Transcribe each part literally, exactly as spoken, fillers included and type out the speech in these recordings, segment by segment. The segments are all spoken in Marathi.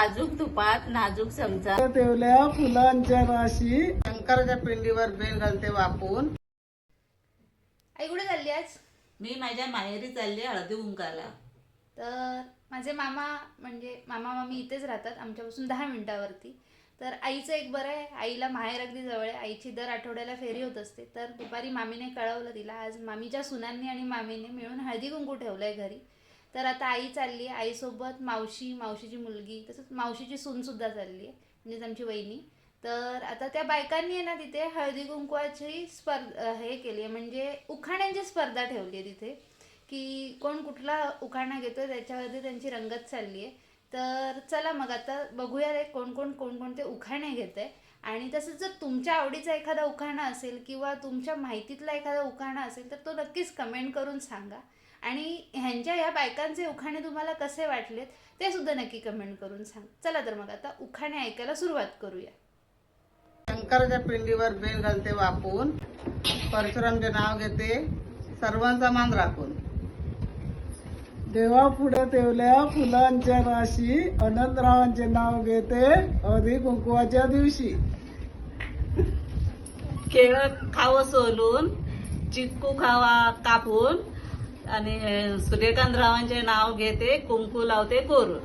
साजूक तुपात नाजूक चमचा ठेवल्या फुलांच्या राशी शंकराच्या पिंडीवर बेल घालते वापून. आई कुठे चालली आज? मी माझ्या माहेरी चालली हळदी कुंकाला. तर माझे मामा म्हणजे मामा मामी इथेच राहतात आमच्यापासून दहा मिनिटावरती. तर आईचं एक बरं आहे, आईला माहेर अगदी जवळ आहे. आईची दर आठवड्याला फेरी होत असते. तर दुपारी मामीने कळवलं तिला आज मामीच्या सुनांनी आणि मामीने मिळून हळदी कुंकू ठेवलं आहे घरी. तर आता आई चालली आहे, आईसोबत मावशी, मावशीची मुलगी, तसंच मावशीची सूनसुद्धा चालली आहे, म्हणजेच आमची वहिनी. तर आता त्या बायकांनी आहे ना तिथे हळदी कुंकवाची स्पर्धा हे केली आहे, म्हणजे उखाण्यांची स्पर्धा ठेवली आहे तिथे, की कोण कुठला उखाणा घेतो त्याच्यावरती त्यांची रंगत चालली आहे. तर चला मग आता बघूया रे कोण कोण कोणकोणते उखाणे घेत आहे. आणि तसंच जर तुमच्या आवडीचा एखादा उखाणा असेल किंवा तुमच्या माहितीतला एखादा उखाणा असेल तर तो नक्कीच कमेंट करून सांगा. आणि ह्यांच्या ह्या बायकांचे उखाणे तुम्हाला कसे वाटलेत ते सुद्धा नक्की कमेंट करून सांग. चला तर मग आता उखाणे ऐकायला सुरुवात करूया. शंकराच्या पिंडीवर बेल घालते वापून, परशुरामचे नाव घेते सर्वांचा मान राखून. देवा पुढे ठेवल्या फुलांच्या राशी अनंतरावांचे नाव घेते हळदी कुंकवाच्या दिवशी. केळ खावं सोलून, चिक्कू खावा कापून, आणि सूर्यकांतरावांचे नाव घेते कुंकू लावते कोरून.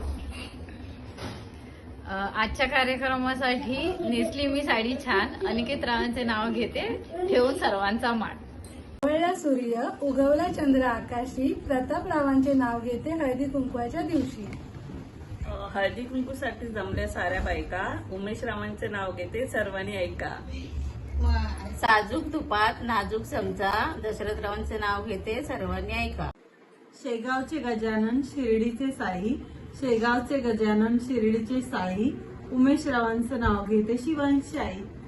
आजच्या कार्यक्रमासाठी नेसली मी साडी छान, अनिकेत रावांचे नाव घेते ठेवून सर्वांचा मान. उगवला सूर्य उगवला चंद्र आकाशी, प्रतापरावांचे नाव घेते हळदी कुंकवाच्या दिवशी. हळदी कुंकूसाठी जमल्या साऱ्या बायका, उमेश रावांचे नाव घेते सर्वांनी ऐका. साजूक तुपात नाजूक चमचा, दशरथरावांचे नाव घेते सर्वांनी ऐका. शेगावचे गजानन शिर्डीचे साई, शेगावचे गजानन शिर्डीचे साई, उमेश रावांचं नाव घेते शिवांशी आई.